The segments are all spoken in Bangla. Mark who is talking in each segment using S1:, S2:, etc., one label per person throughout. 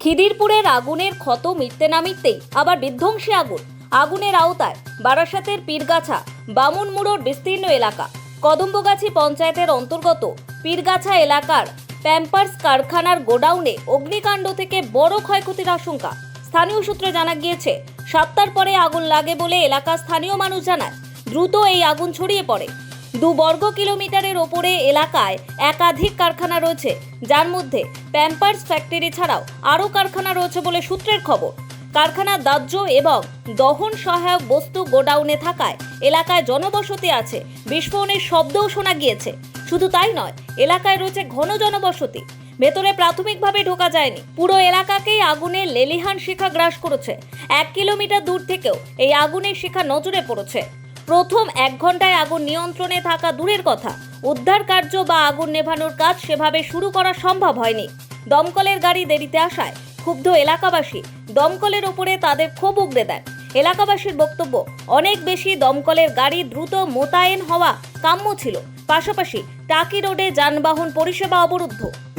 S1: খিদিরপুরের আগুনের ক্ষত মিটতে না মিটতেই আবার বিধ্বংসী আগুন। আগুনের আওতায় বারাসাতের পীরগাছা বামুনমুড়োর বিস্তীর্ণ এলাকা। কদম্বগাছি পঞ্চায়েতের অন্তর্গত পীরগাছা এলাকার প্যাম্পার্স কারখানার গোডাউনে অগ্নিকাণ্ড থেকে বড় ক্ষয়ক্ষতির আশঙ্কা। স্থানীয় সূত্রে জানা গিয়েছে 7টার পরে আগুন লাগে বলে এলাকার স্থানীয় মানুষ জানায়। দ্রুত এই আগুন ছড়িয়ে পড়ে। 2 বর্গ কিলোমিটারের ওপরে এলাকায় একাধিক কারখানা রয়েছে, যার মধ্যে প্যাম্পার্স ফ্যাক্টরি ছাড়াও আরও কারখানা রয়েছে বলে সূত্রের খবর। কারখানার দাহ্য এবং দহন সহায়ক বস্তু গোডাউনে থাকায় এলাকায় জনবসতি আছে। বিস্ফোরণের শব্দও শোনা গিয়েছে। শুধু তাই নয়, এলাকায় রয়েছে ঘন জনবসতি। ভেতরে প্রাথমিকভাবে ঢোকা যায়নি। পুরো এলাকাকেই আগুনের লেলিহান শিখা গ্রাস করেছে। 1 কিলোমিটার দূর থেকেও এই আগুনের শিখা নজরে পড়েছে। প্রথম 1 ঘন্টায় আগুন নিয়ন্ত্রণে থাকা দূরের কথা, উদ্ধার কার্য বা আগুন নেভানোর কাজ সেভাবে শুরু করা সম্ভব হয়নি। দমকলের গাড়ি দেরিতে আসায় ক্ষুব্ধ এলাকাবাসী দমকলের ওপরে তাদের ক্ষোভ উগরে দেন। এলাকাবাসীর বক্তব্য, অনেক বেশি দমকলের গাড়ি দ্রুত মোতায়েন হওয়া কাম্য ছিল। পাশাপাশি টাকি রোডে যানবাহন পরিষেবা অবরুদ্ধ।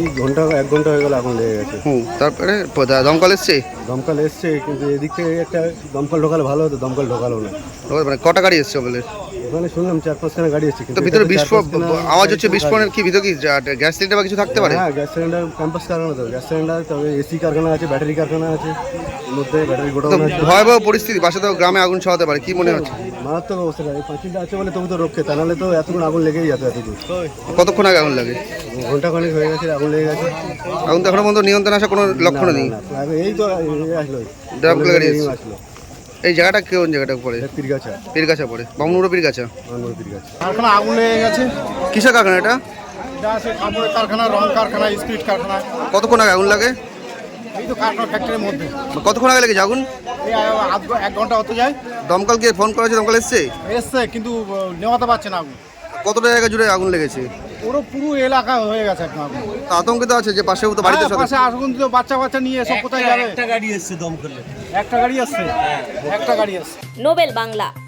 S2: 1 ঘন্টা হয়ে গেল আগুন লেগে গেছে।
S3: তারপরে দমকল এসছে?
S2: দমকল এসছে, কিন্তু এদিক থেকে একটা দমকল ঢোকালে ভালো হতো, দমকল ঢোকালো না।
S3: মানে কটা গাড়ি এসছে বলে?
S2: ওখানে শুনলাম 4-5খানা গাড়ি এসছে,
S3: তো ভিতরে বিস্ফোরণ আওয়াজ হচ্ছে। বিস্ফোরণের কি ভিতরে কি গ্যাস সিলিন্ডার বা কিছু থাকতে পারে?
S2: হ্যাঁ, গ্যাস সিলিন্ডার, ক্যাম্পাস কারখানা, তো গ্যাস সিলিন্ডার, তবে এসি কারখানা আছে, ব্যাটারি কারখানা আছে, এর মধ্যে ব্যাটারি গোডাউন আছে।
S3: ভয়াবহ পরিস্থিতি, পাশে তো গ্রামে আগুন ছড়াতে পারে, কি মনে হচ্ছে?
S2: মারাত্মক অবস্থা। এই পাঁচিলটা আছে বলে তবু তো রক্ষে, তা নাহলে তো এতক্ষণ আগুন লেগেই যেত। এতদূর
S3: কতক্ষণ আগে আগুন লাগে?
S2: ঘন্টা খানেক হয়ে গেছে আগুন লেগে গেছে।
S3: আগুন তো এখনো পর্যন্ত নিয়ন্ত্রণে আসা কোনো লক্ষণ নেই।
S2: এই তো আসলো,
S3: দমকল গাড়ি এসছে।
S2: আসলো।
S3: এই জায়গাটা কোন জায়গাটা পড়ে?
S2: পীরগাছা,
S3: পীরগাছা পড়ে, বামুনমুড়ো পীরগাছা।
S2: পীরগাছা
S4: কারখানা আগুন লেগে গেছে।
S3: কিসের কারখানা এটা?
S4: এটা আছে কাপড়ের কারখানা, রং কারখানা, স্পিড কারখানা।
S3: কতক্ষণ আগে আগুন লাগে?
S4: এই তো কারখানা ফ্যাক্টরির মধ্যে।
S3: কতক্ষণ আগে লেগেছে আগুন?
S4: এই 1 ঘন্টা হতে যায়।
S3: দমকলকে ফোন করা হয়েছে? দমকল এসছে?
S4: এসছে, কিন্তু নেওয়াতে পারছে না আগুন।
S3: কতটা জায়গা জুড়ে আগুন লেগেছে?
S4: পুরো এলাকা হয়ে গেছে একদম আগুন।
S3: তা আতঙ্কিত আছে যে পাশেও তো বাড়িতে
S4: হ্যাঁ, পাশে আগুন দিল, বাচ্চা নিয়ে সব কোথায় যাবে?
S5: একটা গাড়ি এসছে দমকলে।
S4: একটা গাড়ি আসছে।
S1: নোবেল বাংলা।